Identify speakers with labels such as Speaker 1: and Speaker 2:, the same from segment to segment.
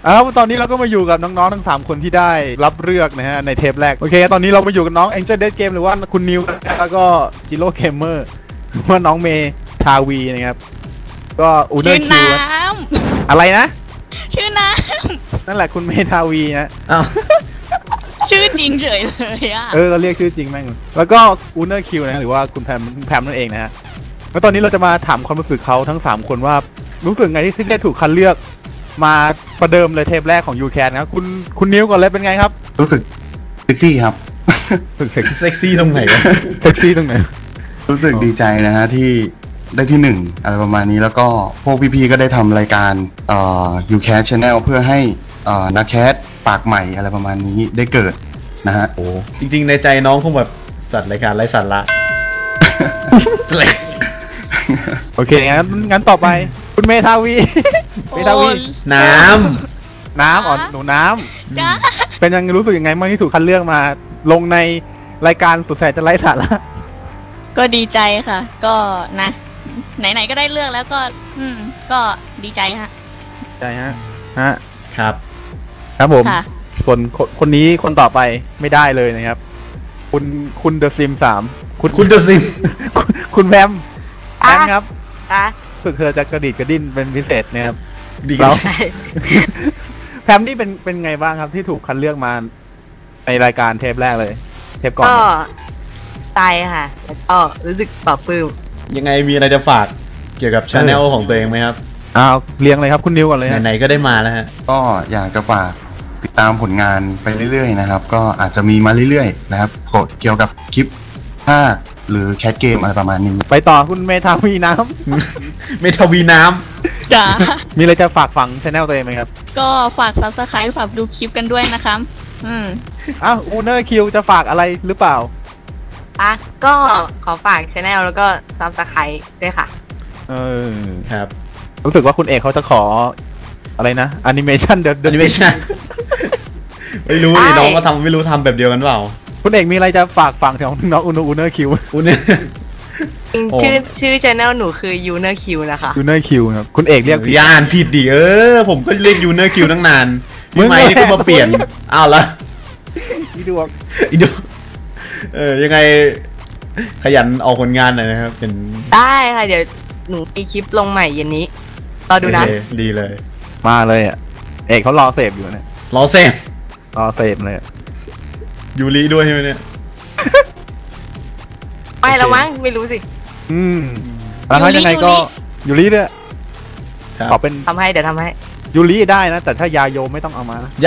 Speaker 1: ตอนนี้เราก็มาอยู่กับน้องๆทั้ง3คนที่ได้รับเลือกนะฮะในเทปแรกโอเคตอนนี้เรามาอยู่กับน้อง Angel Dead Game หรือว่าคุณนิวแล้วก็จิโร่เกมเมอร์ว่าน้องเมทาวีนะครับก็อูเนอร์คิวอะไรนะ
Speaker 2: ชื่อน้
Speaker 1: นั่นแหละคุณเมทาวีนะ
Speaker 2: ชื่อจริงเฉยเลยอ่ะ
Speaker 1: เราเรียกชื่อจริงแม่งแล้วก็อูเนอร์คิวนะหรือว่าคุณแพมนั่นเองนะฮะแล้วตอนนี้เราจะมาถามความรู้สึกเขาทั้ง3คนว่ารู้สึกไงที่ได้ถูกคัดเลือกมาประเดิมเลยเทปแรกของ UCAT นะครับคุณนิวก่อนเลยเป็นไงครับ
Speaker 3: รู้สึกเซ็กซี่ครับ
Speaker 1: เซ็กซี่ตรงไหนเซ็กซี่ตรงไหน
Speaker 3: รู้สึกดีใจนะฮะที่ได้ที่1อะไรประมาณนี้แล้วก็พวกพี่ๆก็ได้ทำรายการUCAT Channel เพื่อให้นักแคสปากใหม่อะไรประมาณนี้ได้เกิดนะฮะ
Speaker 4: โอ้จริงๆในใจน้องคงแบบสัตว์รายการไร้สาระ
Speaker 1: โอเคงั้นต่อไปคุณเมทาวี
Speaker 4: น้
Speaker 1: ำหนูน้ำเป็นยังรู้สึกยังไงบ้างที่ถูกคัดเลือกมาลงในรายการสุดแสนจะไร้สาระ
Speaker 2: ก็ดีใจค่ะก็นะไหนๆก็ได้เลือกแล้วก็ดีใจฮะ
Speaker 1: ใจฮะครับผมส่วนคนนี้คนต่อไปไม่ได้เลยนะครับคุณเดอะซิม3
Speaker 4: คุณเดอะซิม
Speaker 1: คุณแพมครับฝึกเธอจะกระดิกกระดิ้นเป็นพิเศษนะครับแล้วแพมนี่เป็นไงบ้างครับที่ถูกคัดเลือกมาในรายการเทปแรกเลยเทปก่อน
Speaker 5: ก็ใจค่ะแล้วก็รู้สึกปลอบปลื้ม
Speaker 4: ยังไงมีอะไรจะฝากเกี่ยวกับชาแนลของตัวเองไหมครับ
Speaker 1: เรียงเลยครับคุณนิวก่อนเลย
Speaker 4: ไหนๆก็ได้มาแล้วฮะ
Speaker 3: ก็อยากจะฝากติดตามผลงานไปเรื่อยๆนะครับก็อาจจะมีมาเรื่อยๆนะครับเกี่ยวกับคลิปภาคหรือแคสเกมอะไรประมาณนี้
Speaker 1: ไปต่อคุณเมทาวีน้ำ
Speaker 4: เมทาวีน้ำ
Speaker 2: จ้า
Speaker 1: มีอะไรจะฝากฝังชาแนลตัวเองไหมครับ
Speaker 2: ก็ฝาก Subscribe ฝากดูคลิปกันด้วยนะครับ
Speaker 1: อูเนอร์คิวจะฝากอะไรหรือเปล่า
Speaker 5: ก็ขอฝากชาแนลแล้วก็ Subscribe ด้วยค่ะ
Speaker 1: ครับรู้สึกว่าคุณเอกเขาจะขออะไรนะแอนิเมชัน
Speaker 4: แอนิเมชันไม่รู้ดิน้องก็ทำไม่รู้ทำแบบเดียวกันเปล่า
Speaker 1: คุณเอกมีอะไรจะฝากฝังถึงน้องอูเนอร์คิว
Speaker 5: ชื่อชาแนลหนูคือยูเนอร์คิวนะคะ
Speaker 1: ยูเนอร์คิวครับคุณเอกเรียก
Speaker 4: อ่านผิดดิผมก็เรียกยูเนอร์คิวตั้งนานพี่ไมค์นี่ก็มาเปลี่ยนอ้าวละ
Speaker 1: อีดวง
Speaker 4: ยังไงขยันออกผลงานหน่อยนะครับเป็น
Speaker 5: ได้ค่ะเดี๋ยวหนูมีคลิปลงใหม่เย็นนี้รอดูนะ
Speaker 4: ดีเลย
Speaker 1: มาเลยเอกเขารอเสพอยู่เนี่ย
Speaker 4: รอเสพ
Speaker 1: เลย
Speaker 4: ยูริด้วยใช่ไหมเนี่ย
Speaker 5: ไม่แล้วมั้งไม่รู้สิ
Speaker 1: แล้วยังไงก็ยูริเนี่ยขอเป็น
Speaker 5: ทำให้เดี๋ยวทำให้
Speaker 1: ยูริได้นะแต่ถ้ายาโยไม่ต้องเอามาย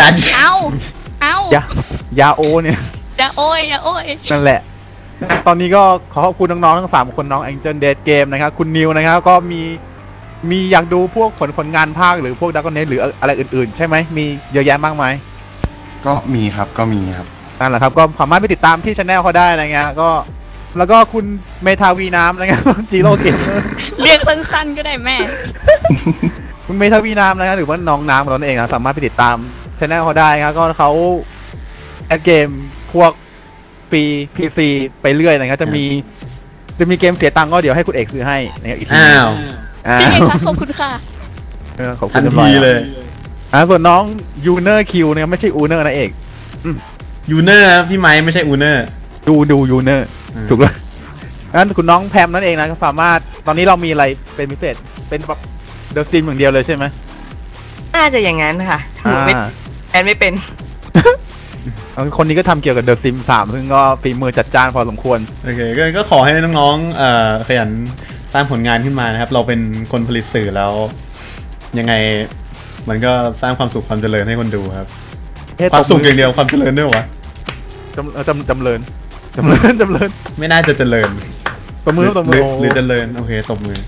Speaker 2: าย
Speaker 1: าโอเนี่ย
Speaker 2: ยาโอ้ย
Speaker 1: นั่นแหละตอนนี้ก็ขอขอบคุณน้องๆทั้ง3คนน้อง Angel Dead Game นะครับคุณนิวนะครับก็มีอยากดูพวกผลงานภาคหรือพวก Dragon Nest หรืออะไรอื่นๆใช่ไหมมีเยอะแยะมากมาย
Speaker 3: ก็มีครับ
Speaker 1: นั่นแหละครับก็สามารถไปติดตามที่ช anel เขาได้นะเงี้ยก็แล้วก็คุณเมทาวีน้ำนะครับจิโร่เกม
Speaker 2: เรียกสั้นๆก็ได้แม่
Speaker 1: คุณเมทาวีน้ำนะครับหรือว่าน้องน้ำของเราเองนะสามารถไปติดตามช anel เขาได้ครับก็เขาแอดเกมพวกปี PC ไปเรื่อยนะครับจะมีเกมเสียตังค์ก็เดี๋ยวให้คุณเอกซื้อให้นะครับอีกที
Speaker 2: พี่เอกคะขอบคุณค่ะ
Speaker 1: ขอบคุณทีเลยส่วนน้องยูเนอร์คิวเนี่ยไม่ใช่อูเนอร์นะเอก
Speaker 4: ยูเนอร์พี่ไม้ไม่ใช่อูเนอร์
Speaker 1: ดูยูเนอร์ถูกแล้วงั้นคุณน้องแพมนั่นเองนะก็สามารถตอนนี้เรามีอะไรเป็นพิเศษเป็นแบบเดอะซิมอย่างเดียวเลยใช่ไหม
Speaker 5: น่าจะอย่างนั้นค่ะไม่เป็น
Speaker 1: คนนี้ก็ทำเกี่ยวกับเดอะซิม3ซึ่งก็ฝีมือจัดจ้านพอสมควร
Speaker 4: โอเคก็ขอให้น้องๆขยันสร้างผลงานขึ้นมานะครับเราเป็นคนผลิตสื่อแล้วยังไงมันก็สร้างความสุขความเจริญให้คนดูครับความสุขอย่างเดียวความเจริญด้วยวะ
Speaker 1: จำเริญไม่
Speaker 4: น่าจะเจริญ
Speaker 1: ตบมือ
Speaker 4: หรือเจริญโอเคตบมือ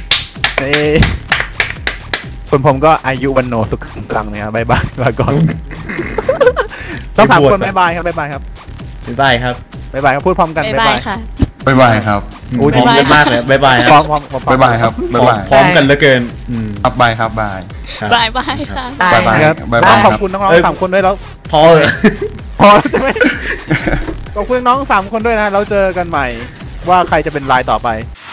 Speaker 1: ส่วนผมก็อายุวันโนสุขกลางนะครับบ๊ายบายลาก่อนต้อง3คนบ๊ายบายครับบ๊ายบายครับพูดพร้อมกัน
Speaker 2: บ๊ายบายค่ะ
Speaker 3: บ๊ายบายครับ
Speaker 4: พร้อมกันมากเลยบ๊ายบาย
Speaker 1: พร้อม
Speaker 3: บ๊ายบายครับบ๊ายบาย
Speaker 4: พร้อมกันเหลือเกิน
Speaker 3: บายครับบาย
Speaker 2: ค่ะ
Speaker 3: บ๊ายบายครับ
Speaker 1: ขอบคุณน้องๆ3คนด้วยแล้วพอใช่ไหมขอบคุณน้อง3คนด้วยนะเราเจอกันใหม่ว่าใครจะเป็นรายต่อไป